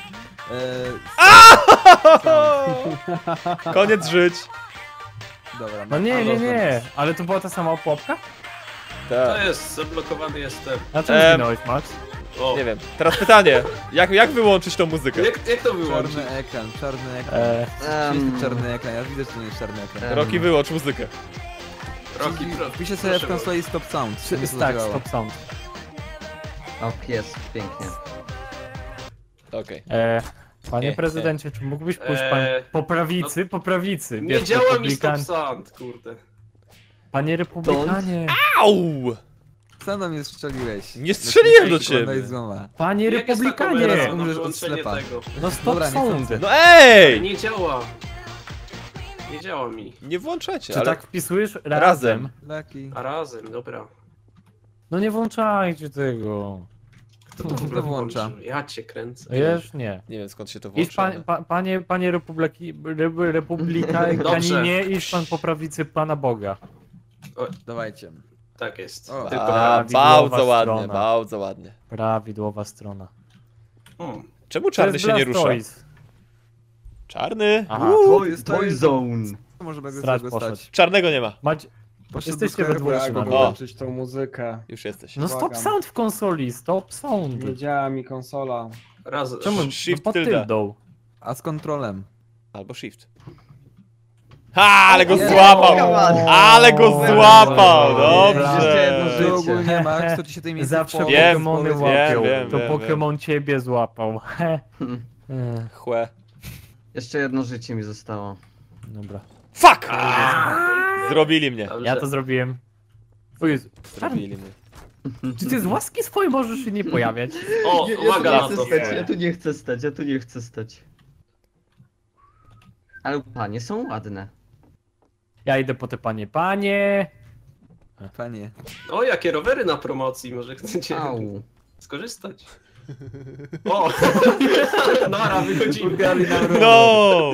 Speaker 2: Koniec żyć.
Speaker 6: Dobra,
Speaker 1: No nie, ale to była ta sama pułapka?
Speaker 5: to
Speaker 2: Tak.
Speaker 5: jest, zablokowany jestem.
Speaker 1: Na czym zginąłeś, Max?
Speaker 5: O,
Speaker 2: Nie wiem. Teraz pytanie. Jak wyłączyć tą muzykę?
Speaker 5: jak to wyłączyć?
Speaker 6: Czarny ekran. Jest czarny ekran, ja widzę, że to nie jest czarny ekran.
Speaker 2: Roki, wyłącz muzykę.
Speaker 5: Roki,
Speaker 6: Wpiszę sobie w konsoli stop sound. żeby to
Speaker 1: Tak,
Speaker 6: zadziałało.
Speaker 1: stop sound.
Speaker 3: O, pies, pięknie.
Speaker 2: Okej.
Speaker 1: Panie prezydencie, czy mógłbyś pójść pan po prawicy? Po prawicy.
Speaker 5: Nie
Speaker 1: Wiesz,
Speaker 5: działa mi
Speaker 1: republikan-
Speaker 5: stop sound, kurde.
Speaker 1: Panie republikanie.
Speaker 2: Au!
Speaker 6: Sam na mnie strzeliłeś.
Speaker 2: Nie strzeliłem do
Speaker 6: Daj
Speaker 2: ciebie.
Speaker 6: złoma.
Speaker 1: Panie
Speaker 5: Jak jest ta
Speaker 1: republikanie.
Speaker 5: kamera na
Speaker 6: Umrzesz od
Speaker 5: wyłączenie
Speaker 6: ślepa.
Speaker 5: tego?
Speaker 1: No stop
Speaker 6: Dobra, nie
Speaker 1: sound.
Speaker 6: chcę.
Speaker 2: No ej!
Speaker 5: Nie działa. Nie działa mi.
Speaker 2: Nie włączacie,
Speaker 1: Czy
Speaker 2: ale...
Speaker 1: tak wpisujesz?
Speaker 2: Razem.
Speaker 6: Lucky.
Speaker 5: A razem, dobra.
Speaker 1: No nie włączajcie tego.
Speaker 5: Kto to w ogóle
Speaker 6: To włącza.
Speaker 5: włączył? Ja cię kręcę.
Speaker 1: Wiesz, nie.
Speaker 2: Nie wiem skąd się to
Speaker 1: Idź
Speaker 2: włącza.
Speaker 1: panie republikanie, idź pan po prawicy Pana Boga.
Speaker 6: Dawajcie.
Speaker 5: Tak jest.
Speaker 6: O.
Speaker 5: Tylko
Speaker 1: prawidłowa
Speaker 2: Bardzo ładnie,
Speaker 1: strona.
Speaker 2: bardzo ładnie.
Speaker 1: Prawidłowa strona.
Speaker 2: Czemu
Speaker 1: To
Speaker 2: czarny
Speaker 1: jest
Speaker 2: się nie rusza?
Speaker 1: Blastoise.
Speaker 2: Czarny?
Speaker 1: Aha.
Speaker 3: Toy Zone.
Speaker 6: To może bez
Speaker 1: Strach
Speaker 6: tego
Speaker 1: poszedł.
Speaker 6: stać.
Speaker 2: Czarnego nie ma.
Speaker 6: Poszedł
Speaker 1: Jesteście
Speaker 6: do
Speaker 1: we
Speaker 6: sklepu,
Speaker 1: dwóch
Speaker 6: ja
Speaker 1: się
Speaker 6: go
Speaker 1: na-
Speaker 2: O.
Speaker 4: tą muzykę.
Speaker 2: Już jesteś.
Speaker 1: No stop
Speaker 4: Błagam.
Speaker 1: sound w konsoli, stop sound.
Speaker 4: Nie działa mi konsola.
Speaker 5: raz.
Speaker 1: Czemu?
Speaker 2: Shift
Speaker 1: pod
Speaker 2: tylda.
Speaker 1: tyldą.
Speaker 6: A z kontrolem.
Speaker 2: Albo shift. Ha, ale go
Speaker 6: Nie.
Speaker 2: złapał! Ale go
Speaker 1: O,
Speaker 2: złapał!
Speaker 3: Jeszcze jedno
Speaker 2: Dobrze!
Speaker 3: życie.
Speaker 6: Ty ogólnie Max, to ci się tej miejsce
Speaker 1: Zawsze
Speaker 6: w połowie
Speaker 2: Wiem,
Speaker 1: Pokemony
Speaker 6: powiedz-
Speaker 1: łapią.
Speaker 2: wiem,
Speaker 1: To
Speaker 2: wiem,
Speaker 1: Pokémon ciebie złapał.
Speaker 2: Chłe.
Speaker 3: Jeszcze jedno życie mi zostało.
Speaker 1: Dobra.
Speaker 2: Fuck! Zrobili mnie.
Speaker 1: Ja to zrobiłem. O Jezu.
Speaker 2: Zrobili mnie.
Speaker 1: Czy ty z łaski swojej możesz się nie pojawiać?
Speaker 5: O, uwaga na
Speaker 3: Ja
Speaker 5: to.
Speaker 3: tu nie chcę stać, ja tu nie chcę stać. Ale panie są ładne.
Speaker 1: Ja idę po te panie. Panie!
Speaker 6: Panie.
Speaker 5: O, jakie rowery na promocji, może chcecie
Speaker 3: Au.
Speaker 5: skorzystać. O! Nara, wychodzimy.
Speaker 2: No!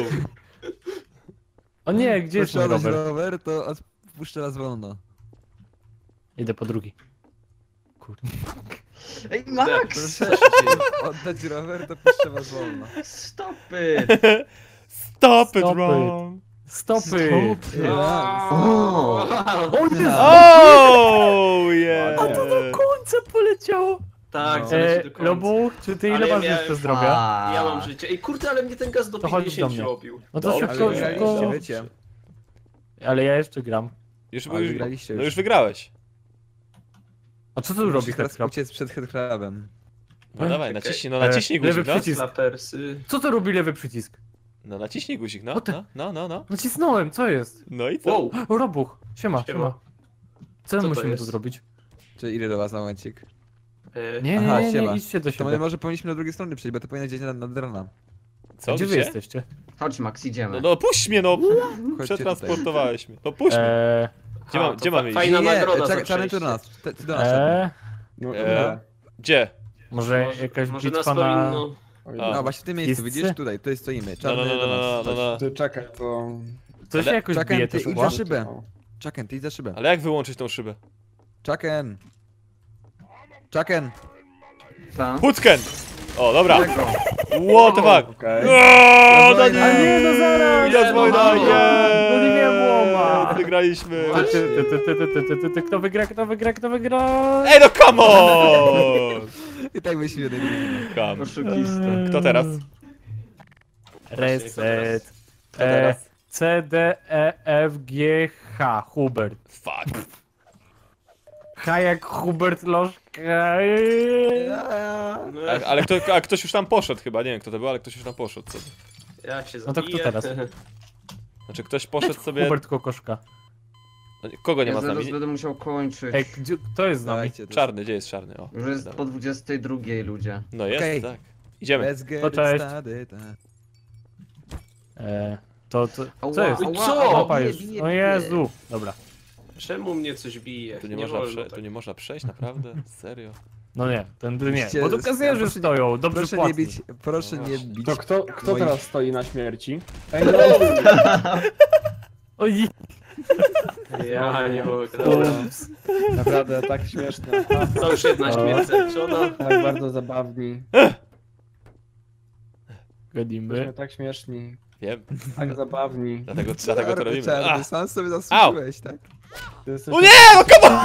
Speaker 1: O nie, gdzie jest mój
Speaker 6: Posiadać
Speaker 1: rower?
Speaker 6: rower, to puszczę raz wolno.
Speaker 1: Idę po drugi. Kurde.
Speaker 3: Ej, Max!
Speaker 6: Proszę oddać rower, to puszczę was wolno.
Speaker 3: Stop it!
Speaker 2: Stop it,
Speaker 1: Stop it.
Speaker 2: wrong!
Speaker 1: Stopy!
Speaker 3: O!
Speaker 1: O Jezu!
Speaker 2: Oh, yeah!
Speaker 1: A to do końca poleciało!
Speaker 5: Tak, zaleci do końca.
Speaker 1: Lobu, czy ty ile
Speaker 5: Ale ja
Speaker 1: masz
Speaker 5: miałem-
Speaker 1: jeszcze zdrowia?
Speaker 5: Ja mam życie. Ej, kurde, ale mnie ten gaz do
Speaker 1: To chodź do
Speaker 5: 50
Speaker 1: mnie.
Speaker 5: robił.
Speaker 1: No to
Speaker 2: Dobrze,
Speaker 1: szybko,
Speaker 6: Ale
Speaker 1: szybko.
Speaker 6: wygraliście, wiecie.
Speaker 1: Ale ja jeszcze gram.
Speaker 2: Już,
Speaker 6: Ale wygraliście
Speaker 2: no
Speaker 6: już.
Speaker 2: już wygrałeś.
Speaker 1: A co tu robi
Speaker 6: Musisz teraz
Speaker 1: Headcrab?
Speaker 6: uciec przed headcrabem.
Speaker 2: No dawaj,
Speaker 5: Okej.
Speaker 2: naciśnij, no naciśnij
Speaker 1: lewy
Speaker 2: guzik, no.
Speaker 1: przycisk.
Speaker 5: Slapersy.
Speaker 1: Co to robi lewy przycisk?
Speaker 2: No naciśnij guzik, no,
Speaker 1: O ty-
Speaker 2: no.
Speaker 1: Nacisnąłem, co jest?
Speaker 2: No i co?
Speaker 5: Wow.
Speaker 1: O, Robuch, siema. Co
Speaker 5: to
Speaker 1: musimy
Speaker 5: jest?
Speaker 1: tu zrobić?
Speaker 6: Czy idę do was na momencik?
Speaker 1: Nie,
Speaker 6: Aha,
Speaker 1: nie,
Speaker 6: siema.
Speaker 1: idźcie do
Speaker 6: To my
Speaker 1: siebie.
Speaker 6: może powinniśmy do drugiej strony przejść, bo to powinno gdzieś nad drona.
Speaker 2: Co,
Speaker 1: Gdzie wy
Speaker 2: gdzie?
Speaker 1: jesteście?
Speaker 3: Chodź Max, idziemy.
Speaker 2: No puść mnie, no!
Speaker 6: Chodźcie
Speaker 2: Przetransportowałeś mnie. No puść mnie. Gdzie mamy iść?
Speaker 5: Fajna nagroda za
Speaker 6: czekaj, czarny tu do
Speaker 5: przejście.
Speaker 6: nas. Ty do nas. czarny.
Speaker 4: No,
Speaker 2: Gdzie?
Speaker 1: Może jakaś
Speaker 5: Może nas
Speaker 1: bitwa na...
Speaker 5: powinno...
Speaker 2: A.
Speaker 6: No właśnie w tym miejscu,
Speaker 1: Wszyscy?
Speaker 6: widzisz? Tutaj stoimy.
Speaker 2: No,
Speaker 6: Czarny
Speaker 2: no, no,
Speaker 6: do
Speaker 2: no,
Speaker 6: nas.
Speaker 2: no, no, no.
Speaker 4: Ty czekaj, to...
Speaker 1: To się jakoś
Speaker 6: Czekaj,
Speaker 1: bije
Speaker 6: ty
Speaker 1: te
Speaker 6: idź
Speaker 1: szkła?
Speaker 6: za szybę. Czaken, ty idź za szybę.
Speaker 2: Ale jak wyłączyć tą szybę?
Speaker 6: Czaken! Czaken!
Speaker 3: Ta?
Speaker 2: Hucken! O, dobra.
Speaker 3: Czego?
Speaker 2: What the fuck?
Speaker 4: Okej.
Speaker 2: Oooo, no
Speaker 6: A
Speaker 2: nie!
Speaker 1: nie, no zaraz!
Speaker 2: Jest wojna,
Speaker 5: no,
Speaker 2: nie!
Speaker 1: no nie miałem łoma.
Speaker 2: Wygraliśmy.
Speaker 1: Kto wygra, kto wygra, kto wygra?
Speaker 2: Ej, no come on!
Speaker 6: I tak byśmy jeden
Speaker 2: Come.
Speaker 3: Oszukista.
Speaker 2: Kto teraz?
Speaker 1: Reset.
Speaker 2: Kto teraz?
Speaker 1: C, D, E, F, G, H. Hubert.
Speaker 2: Fuck.
Speaker 1: H jak Hubert Lożka.
Speaker 5: No,
Speaker 2: Ale ktoś już tam poszedł chyba, nie wiem kto to był, ale ktoś już tam poszedł sobie.
Speaker 5: ja się
Speaker 1: No to
Speaker 5: zabiję.
Speaker 1: kto teraz?
Speaker 2: Znaczy ktoś poszedł sobie...
Speaker 1: Hubert Kokoszka.
Speaker 2: No, kogo nie
Speaker 3: Ja
Speaker 2: ma z
Speaker 3: zaraz
Speaker 2: nami?
Speaker 3: będę musiał kończyć.
Speaker 1: Ej, kto jest z nami?
Speaker 6: Dawajcie,
Speaker 2: Czarny, gdzie jest czarny? O.
Speaker 3: Już jest
Speaker 2: Dobra.
Speaker 3: po 22 ludzie.
Speaker 2: No jest,
Speaker 6: Okej.
Speaker 2: tak. Idziemy.
Speaker 6: Let's get
Speaker 1: To cześć.
Speaker 6: started.
Speaker 1: To
Speaker 3: Ała,
Speaker 1: co jest?
Speaker 5: ała,
Speaker 3: ała,
Speaker 1: Mapa
Speaker 3: bije,
Speaker 1: już.
Speaker 3: bije,
Speaker 1: O
Speaker 3: bije.
Speaker 1: Jezu. Dobra.
Speaker 5: Czemu mnie coś bije?
Speaker 2: Tu nie, można,
Speaker 5: wolno
Speaker 2: tu
Speaker 5: tak.
Speaker 2: nie można przejść, naprawdę? Serio?
Speaker 1: No nie, tędy nie.
Speaker 6: Musicie-
Speaker 1: Bo tu kasjerzy
Speaker 6: proszę-
Speaker 1: stoją, dobrze
Speaker 6: Proszę nie
Speaker 1: płacni.
Speaker 6: bić, proszę nie bić.
Speaker 4: To kto
Speaker 6: moich-
Speaker 4: teraz stoi na śmierci? Ej, no!
Speaker 1: Oj,
Speaker 5: Ja nie mogę. Dobra.
Speaker 1: ups.
Speaker 4: Naprawdę, tak śmieszne.
Speaker 5: To już jedna śmierć zaliczona.
Speaker 4: Tak bardzo zabawni.
Speaker 1: Gadimy.
Speaker 4: Jesteśmy tak śmieszni.
Speaker 2: Wiem,
Speaker 4: Tak zabawni.
Speaker 2: dlatego to robimy.
Speaker 6: Czarny,
Speaker 2: A!
Speaker 6: sam sobie zasłużyłeś, tak?
Speaker 4: Ty jesteś...
Speaker 2: O nie, no come on!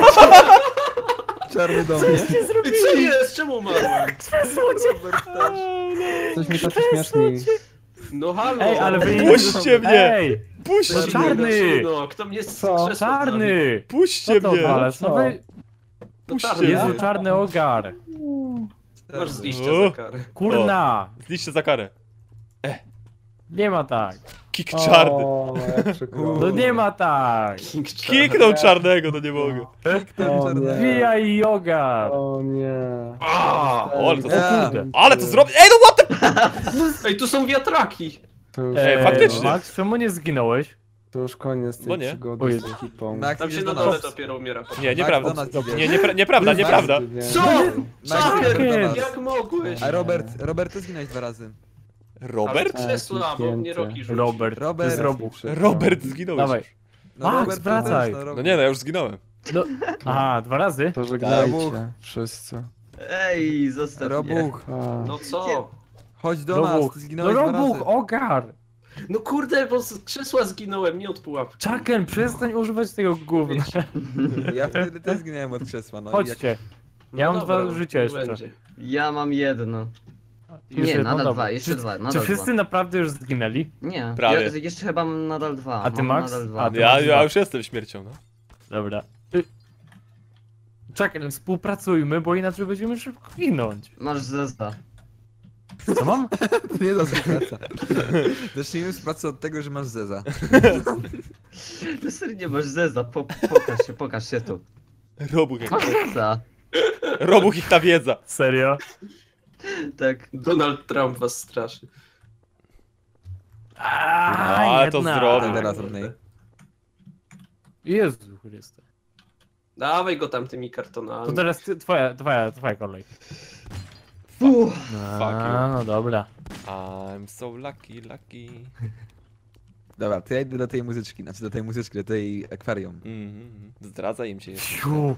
Speaker 6: Czarny do mnie.
Speaker 5: I co jest? Czemu umarłem?
Speaker 4: Jesteśmy tacy śmieszni.
Speaker 5: No halo!
Speaker 1: Ej, ale wy...
Speaker 2: Puśćcie mnie!
Speaker 1: Ej,
Speaker 2: Puśćcie
Speaker 1: No
Speaker 2: mnie!
Speaker 1: czarny!
Speaker 5: No, kto mnie
Speaker 4: Co?
Speaker 5: skrzesł?
Speaker 1: czarny!
Speaker 2: Puśćcie
Speaker 1: Co to
Speaker 2: mnie!
Speaker 1: odwalasz? No
Speaker 4: Co?
Speaker 1: wy...
Speaker 5: To
Speaker 2: Puśćcie
Speaker 5: czarny.
Speaker 2: mnie.
Speaker 1: Jezu, czarny ogar.
Speaker 5: Masz z liścia za karę.
Speaker 1: Kurna!
Speaker 2: Zliście za karę.
Speaker 1: Nie ma tak.
Speaker 2: Kick czarny.
Speaker 4: O, jak przykro.
Speaker 1: No nie ma tak.
Speaker 2: Kiknął czarnego, no nie mogę.
Speaker 4: O nie.
Speaker 1: Vijay yoga.
Speaker 4: O nie.
Speaker 2: O, ale to
Speaker 6: Ja.
Speaker 2: Ale to zrobię. Ej, no what the...
Speaker 5: Ej, tu są wiatraki!
Speaker 4: To już,
Speaker 2: faktycznie.
Speaker 1: Max, czemu nie zginąłeś?
Speaker 4: to już koniec tej
Speaker 2: Bo nie.
Speaker 4: przygody
Speaker 1: O
Speaker 4: z
Speaker 1: Jezu.
Speaker 4: ekipą.
Speaker 6: Max,
Speaker 5: Tam się
Speaker 6: idziesz
Speaker 5: na
Speaker 6: do
Speaker 5: dole
Speaker 6: nas.
Speaker 5: dopiero umiera.
Speaker 2: Nie, nieprawda.
Speaker 6: Max, do nas
Speaker 2: Nie,
Speaker 6: idzie.
Speaker 2: nieprawda, nieprawda.
Speaker 5: Co?
Speaker 6: Max,
Speaker 5: Czarny,
Speaker 6: idziesz do nas.
Speaker 5: jak mogłeś?
Speaker 6: A Robert, ty zginąłeś 2 razy.
Speaker 2: Robert?
Speaker 5: Ale krzesła, bo mnie Roki rzucił.
Speaker 1: Robert.
Speaker 6: Robert.
Speaker 1: To jest Robuch.
Speaker 2: Robert zginął
Speaker 1: Dawaj.
Speaker 2: już.
Speaker 6: No,
Speaker 1: Max,
Speaker 6: Robert,
Speaker 1: wracaj.
Speaker 2: No nie, no ja już zginąłem.
Speaker 1: No. Aha, 2 razy?
Speaker 4: To
Speaker 6: Robuch.
Speaker 4: żegnajcie wszyscy.
Speaker 3: Ej, zostaw mnie.
Speaker 6: Robuch,
Speaker 4: A.
Speaker 5: No co?
Speaker 6: chodź do nas,
Speaker 1: Robuch.
Speaker 6: ty
Speaker 1: No
Speaker 6: zginąłeś 2
Speaker 1: Robuch,
Speaker 6: razy.
Speaker 1: ogar!
Speaker 5: No kurde, bo z krzesła zginąłem, nie od pułapki.
Speaker 1: Chucken, przestań używać tego gówna.
Speaker 6: Ja wtedy też zginąłem od krzesła, no i
Speaker 1: Chodźcie. Ja
Speaker 5: No
Speaker 1: mam
Speaker 5: dobra,
Speaker 1: 2 życia
Speaker 5: niech
Speaker 1: jeszcze.
Speaker 5: będzie.
Speaker 3: Ja mam jedno.
Speaker 1: Już
Speaker 3: Nie,
Speaker 1: jedno,
Speaker 3: nadal
Speaker 1: dobra.
Speaker 3: dwa, jeszcze
Speaker 1: Czy-
Speaker 3: dwa,
Speaker 1: Czy
Speaker 3: nadal
Speaker 1: wszyscy
Speaker 3: dwa.
Speaker 1: naprawdę już zginęli?
Speaker 3: Nie,
Speaker 2: Prawie.
Speaker 3: ja jeszcze chyba mam nadal dwa.
Speaker 1: A ty,
Speaker 3: mam
Speaker 1: Max?
Speaker 3: Nadal dwa.
Speaker 1: A ty-
Speaker 2: Ja już jestem śmiercią, no.
Speaker 1: Dobra. Czekaj, współpracujmy, bo inaczej będziemy szybko ginąć.
Speaker 3: Masz zeza.
Speaker 1: Co mam?
Speaker 6: To nie da współpraca. Zacznijmy współpracę od tego, że masz Zeza.
Speaker 3: Ty serio masz zeza, pokaż się tu.
Speaker 2: Robuch jak...
Speaker 3: Masz zeza.
Speaker 2: Robuch ich ta wiedza.
Speaker 1: Serio?
Speaker 3: Tak.
Speaker 5: Donald Trump was straszy.
Speaker 2: Ale to
Speaker 1: jedna.
Speaker 2: zrobił.
Speaker 6: Teraz od niej.
Speaker 1: Jezu Chryste.
Speaker 5: Dawaj go tam tymi kartonami.
Speaker 1: To teraz twoja kolej.
Speaker 2: Fuck you.
Speaker 1: No dobra.
Speaker 2: I'm so lucky.
Speaker 6: Dobra, to ja idę do tej muzyczki, znaczy do tej muzyczki, do tej akwarium.
Speaker 2: Zdradzaj im się jeszcze.
Speaker 1: Siu.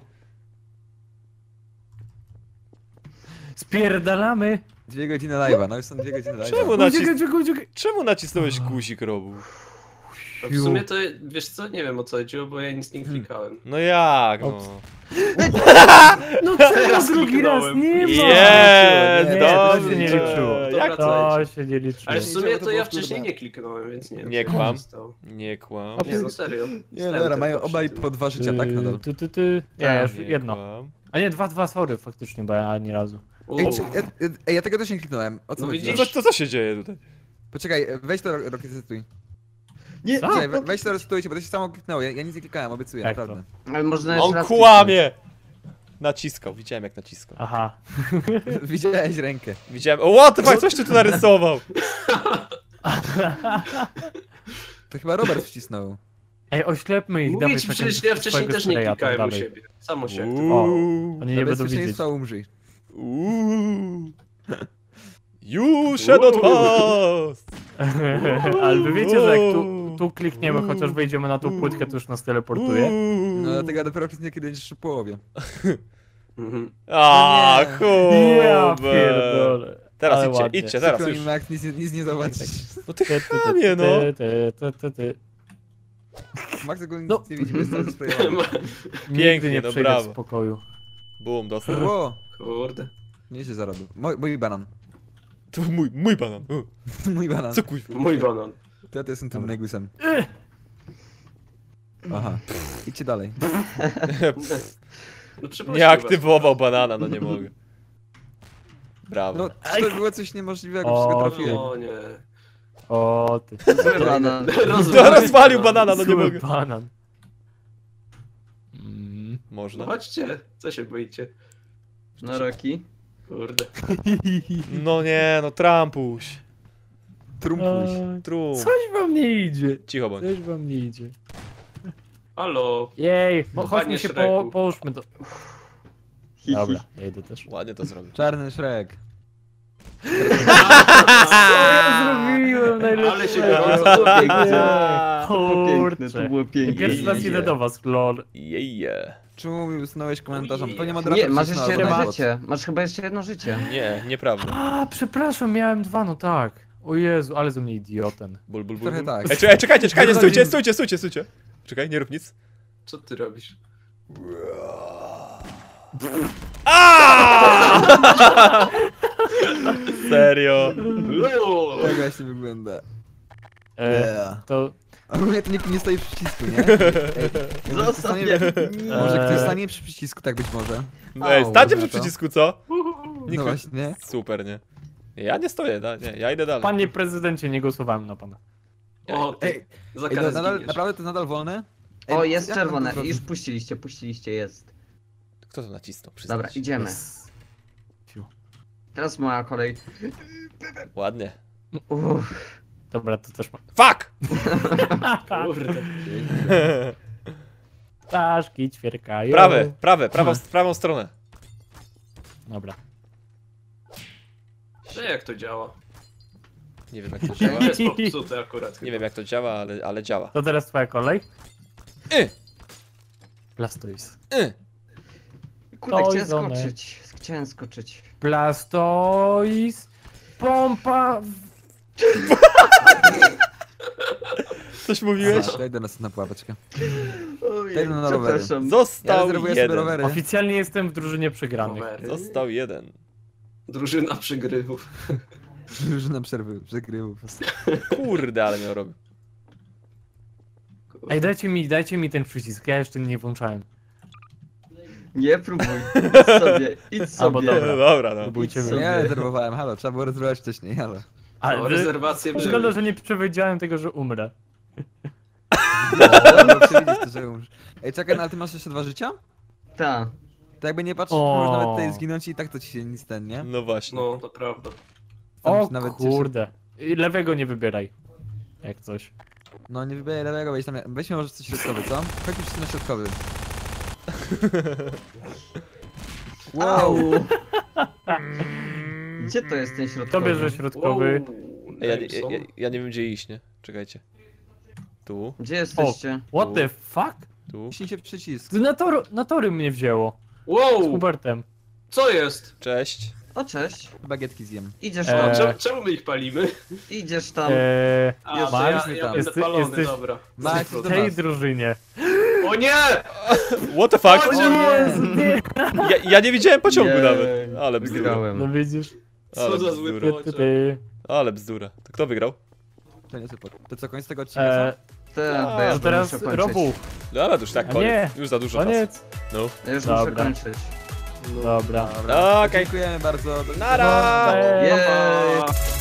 Speaker 1: Spierdalamy.
Speaker 6: 2 godziny live'a, no już są 2 godziny
Speaker 2: Czemu
Speaker 6: live'a.
Speaker 1: Uciekaj.
Speaker 2: Czemu nacisnąłeś guzik, Robuch?
Speaker 5: No w sumie to, wiesz co, nie wiem o co chodziło, bo ja nic nie klikałem.
Speaker 2: No jak, no.
Speaker 1: Ops. No czego drugi raz? Nie ma.
Speaker 2: Jest,
Speaker 1: Nie, to
Speaker 2: dobrze.
Speaker 1: się nie liczyło.
Speaker 2: Jak
Speaker 1: To się nie liczyło.
Speaker 5: Ale w sumie to ja
Speaker 6: było
Speaker 5: wcześniej
Speaker 6: wtórne.
Speaker 5: nie kliknąłem, więc nie wiem.
Speaker 2: Nie
Speaker 5: co
Speaker 2: kłam.
Speaker 5: się stało.
Speaker 2: Nie kłam.
Speaker 5: Nie, no serio.
Speaker 6: Nie, dobra, mają obaj po 2 życia, tak nadal.
Speaker 1: Nie, już
Speaker 2: Nie
Speaker 1: jedno.
Speaker 2: kłam.
Speaker 1: A nie, 2, sorry, faktycznie, bo ja ani razu.
Speaker 6: Ej,
Speaker 5: Uuu.
Speaker 6: ja tego też nie kliknąłem. O co
Speaker 5: No
Speaker 6: chodzi?
Speaker 5: widzisz?
Speaker 2: Co się dzieje tutaj?
Speaker 6: Poczekaj, weź to resetuj.
Speaker 3: Nie,
Speaker 6: Poczekaj, weź to resetujcie, bo to się samo kliknęło. Ja nic nie klikałem, obiecuję,
Speaker 1: Jak
Speaker 6: naprawdę.
Speaker 3: ale można jeszcze
Speaker 2: On
Speaker 3: raz
Speaker 2: kłamie! Naciskał, widziałem jak naciskał.
Speaker 1: Aha.
Speaker 6: Widziałeś rękę.
Speaker 2: Widziałem. O, what the fuck, coś ty tu narysował?
Speaker 6: To chyba Robert wcisnął.
Speaker 1: Ej, oślepmy ich,
Speaker 5: Mówię
Speaker 1: dawaj
Speaker 5: ci,
Speaker 1: takim
Speaker 5: przecież ja wcześniej
Speaker 1: swojego
Speaker 5: też nie
Speaker 1: spraya tam
Speaker 5: klikałem u
Speaker 1: dalej.
Speaker 5: siebie. Samo się
Speaker 2: Uuu.
Speaker 1: Oni nie będą widzieć.
Speaker 6: Bezpieczeństwa umrzyj.
Speaker 2: Uuu. You shall not pass!
Speaker 1: Ale wy wiecie, że jak tu klikniemy, chociaż wejdziemy na tą płytkę, to już nas teleportuje.
Speaker 6: No dlatego ja dopiero kliknę, kiedy będziesz w połowie.
Speaker 5: Mhm.
Speaker 2: A,
Speaker 6: No nie.
Speaker 1: Ja
Speaker 2: Hubert.
Speaker 1: pierdolę.
Speaker 2: Teraz
Speaker 1: Ale
Speaker 2: idźcie,
Speaker 1: ładnie.
Speaker 2: idźcie, teraz
Speaker 6: Przykro
Speaker 2: już.
Speaker 6: mi, Max, nic nie zobaczysz.
Speaker 2: No ty chamie, no.
Speaker 6: Max ogólnie
Speaker 1: No.
Speaker 6: nic nie widzi, bo jest tam sprayowany.
Speaker 1: Nigdy
Speaker 2: Pięknie,
Speaker 1: nie
Speaker 2: no
Speaker 1: przejdę w
Speaker 2: brawo.
Speaker 1: spokoju.
Speaker 2: Bum, dostał.
Speaker 6: Ło,
Speaker 5: Kurde.
Speaker 6: nie się zarobił. Mój banan.
Speaker 2: To mój banan.
Speaker 6: Mój banan.
Speaker 2: Co kuźwa?
Speaker 5: Mój banan.
Speaker 6: To ja to jestem tym negusem. Aha. Idźcie dalej.
Speaker 5: No przepraszam
Speaker 2: Nie
Speaker 5: was.
Speaker 2: aktywował banana, no nie mogę. Brawo.
Speaker 6: No, czy to było coś niemożliwego,
Speaker 1: O,
Speaker 6: wszystko trafiłem.
Speaker 5: O nie.
Speaker 1: O ty.
Speaker 3: Banan.
Speaker 2: Rozwalił banana, no nie
Speaker 1: Zły
Speaker 2: mogę.
Speaker 1: banan.
Speaker 5: No
Speaker 2: Można.
Speaker 5: chodźcie, co się boicie?
Speaker 3: No Roki.
Speaker 5: Kurde.
Speaker 2: No nie, no Trumpuś.
Speaker 6: Trumpuś.
Speaker 2: Trump.
Speaker 1: Coś wam nie idzie.
Speaker 2: Cicho bądź.
Speaker 1: Coś wam nie idzie.
Speaker 5: Halo.
Speaker 1: Jej,
Speaker 5: Panie
Speaker 1: chodźmy się
Speaker 5: Shreku.
Speaker 1: połóżmy do... Dobra, ja idę też.
Speaker 2: Ładnie to zrobił.
Speaker 6: Czarny Shrek.
Speaker 1: Co ja zrobiłem najlepsze?
Speaker 5: Ale się gorąco
Speaker 3: Piękne, to
Speaker 1: Kurczę.
Speaker 3: było piękne.
Speaker 1: Pierwszy raz idę do was, lol.
Speaker 2: Jeje.
Speaker 6: Czemu mi usunąłeś komentarzem? To nie
Speaker 3: Nie,
Speaker 6: moderator
Speaker 3: masz
Speaker 6: wcisnął,
Speaker 3: jeszcze
Speaker 6: albo
Speaker 3: jedno
Speaker 6: bot.
Speaker 3: życie. Masz chyba jeszcze jedno życie.
Speaker 2: Nie, nieprawda.
Speaker 1: A, przepraszam, miałem 2, no tak. O Jezu, ale ze mnie idioten.
Speaker 2: Ból, ból, ból.
Speaker 6: Trochę tak.
Speaker 2: Ej, czekajcie, stójcie. Czekaj, nie rób nic.
Speaker 5: Co ty robisz?
Speaker 2: Serio.
Speaker 6: Tak właśnie wygląda.
Speaker 1: To...
Speaker 6: Ogólnie to nikt nie stoi przy przycisku, nie? Ej, może ktoś stanie- Może ktoś stanie przy przycisku, tak być może.
Speaker 2: Ej, stańcie przy
Speaker 6: Dobra, to.
Speaker 2: przycisku, co?
Speaker 6: No właśnie.
Speaker 2: Super, nie? Ja nie stoję, nie, ja idę dalej.
Speaker 1: Panie prezydencie, nie głosowałem na pana.
Speaker 5: O, ty. Za
Speaker 6: Ej,
Speaker 5: karę
Speaker 6: nadal,
Speaker 5: zginiesz.
Speaker 6: naprawdę to jest nadal wolne? Ej,
Speaker 3: O, jest
Speaker 6: jak mam to
Speaker 3: czerwone.
Speaker 6: zrobić?
Speaker 3: Już puściliście, jest.
Speaker 2: Kto to nacisnął? Przyznaj
Speaker 3: Dobra,
Speaker 2: się.
Speaker 3: idziemy. Teraz moja kolej.
Speaker 2: Ładnie.
Speaker 3: Uff.
Speaker 1: Dobra, to też ma.
Speaker 2: Fuck!
Speaker 5: Kurde.
Speaker 1: Ptaszki ćwierkają.
Speaker 2: Prawą stronę.
Speaker 1: Dobra.
Speaker 5: Jak to działa?
Speaker 2: Nie wiem jak to działa.
Speaker 5: To jest popsute akurat.
Speaker 2: Nie wiem jak to działa, ale działa.
Speaker 1: To teraz twoja kolej.
Speaker 2: Y!
Speaker 1: Blastoise.
Speaker 3: Kurde,
Speaker 1: To
Speaker 3: chciałem
Speaker 1: idziemy.
Speaker 3: skoczyć. Chciałem skoczyć.
Speaker 1: Blastoise. Pompa.
Speaker 2: Coś mówiłeś?
Speaker 6: A, daj do nas na pułapeczkę.
Speaker 3: Ojej,
Speaker 6: Jeden na rowery.
Speaker 3: przepraszam.
Speaker 6: Ja
Speaker 2: Został
Speaker 6: rezerwuję sobie
Speaker 2: jeden.
Speaker 6: rowery.
Speaker 1: Oficjalnie jestem w drużynie przegranych.
Speaker 5: Rowery.
Speaker 2: Został jeden.
Speaker 5: Drużyna przygrywów.
Speaker 6: Już na przerwy, przegrywów.
Speaker 2: Kurde, ale miał robił.
Speaker 1: Ej, dajcie mi ten przycisk, ja jeszcze nie włączałem.
Speaker 3: Nie próbuj. Idź sobie, idź
Speaker 1: Albo
Speaker 3: sobie.
Speaker 1: dobra.
Speaker 2: Dobra, no.
Speaker 1: Próbujcie
Speaker 3: Idź
Speaker 1: wy.
Speaker 3: sobie.
Speaker 6: Ja rezerwowałem, halo, trzeba było rezerwować wcześniej, halo.
Speaker 1: Ale
Speaker 5: No, rezerwacje były.
Speaker 1: szkoda, że nie przewidziałem tego, że umrę.
Speaker 6: No, przewidzieć to, że umrzesz. Ej, czekaj, no, ale ty masz jeszcze 2 życia?
Speaker 3: Ta.
Speaker 6: To jakby nie patrzysz,
Speaker 1: O.
Speaker 6: możesz nawet tutaj zginąć i tak to ci się nic ten, nie?
Speaker 2: No właśnie.
Speaker 5: No, to prawda.
Speaker 6: Tam
Speaker 1: O
Speaker 6: się nawet
Speaker 1: kurde. I lewego nie wybieraj. Jak coś.
Speaker 6: cieszy. No nie wybieraj lewego, weź tam, weźmy może coś środkowy, co? Chodźmy wszyscy na środkowy.
Speaker 3: Wow. Gdzie to jest ten
Speaker 1: Kto
Speaker 3: środkowy?
Speaker 1: bierze środkowy?
Speaker 2: Ej, ja nie wiem gdzie iść, nie? Czekajcie. Tu,
Speaker 3: Gdzie jesteście?
Speaker 1: What the fuck?
Speaker 2: tu.
Speaker 6: Ciśnij się w przycisk.
Speaker 1: Ty na tory mnie wzięło. Z
Speaker 5: Wow!
Speaker 1: Hubertem.
Speaker 5: Co jest?
Speaker 2: Cześć.
Speaker 3: O, cześć.
Speaker 6: Bagietki zjem.
Speaker 3: Idziesz
Speaker 1: Eee.
Speaker 3: tam.
Speaker 5: Czemu my ich palimy?
Speaker 3: Idziesz tam.
Speaker 5: A,
Speaker 3: Jest-
Speaker 5: to ja
Speaker 6: jesteś tam.
Speaker 5: będę palony,
Speaker 1: Jesteś-
Speaker 5: dobra.
Speaker 6: Max,
Speaker 1: W
Speaker 6: do
Speaker 1: tej
Speaker 6: nas.
Speaker 1: drużynie.
Speaker 5: O nie!
Speaker 2: What the fuck?
Speaker 5: O nie!
Speaker 2: Ja nie widziałem pociągu
Speaker 3: Jej,
Speaker 2: nawet. Ale bzdura.
Speaker 1: No
Speaker 3: Wygrałem.
Speaker 1: widzisz?
Speaker 2: Ale
Speaker 5: Co za zły
Speaker 2: bzdura.
Speaker 5: pociąg.
Speaker 2: Ale bzdura. To kto wygrał?
Speaker 6: To nie super. To co, koniec tego odcinka, co?
Speaker 3: To ja
Speaker 1: To teraz
Speaker 3: muszę kończyć.
Speaker 1: Robu.
Speaker 2: No ale to już tak
Speaker 1: A
Speaker 2: koniec.
Speaker 1: nie.
Speaker 2: Już za dużo czasu.
Speaker 1: Koniec.
Speaker 2: No.
Speaker 3: Ja już muszę
Speaker 1: Dobra.
Speaker 3: kończyć.
Speaker 1: Dobra.
Speaker 6: Dobra.
Speaker 2: Okej.
Speaker 6: Dziękujemy bardzo. Do
Speaker 2: Nara!
Speaker 1: Cześć.
Speaker 3: Jej.
Speaker 5: Pa, pa.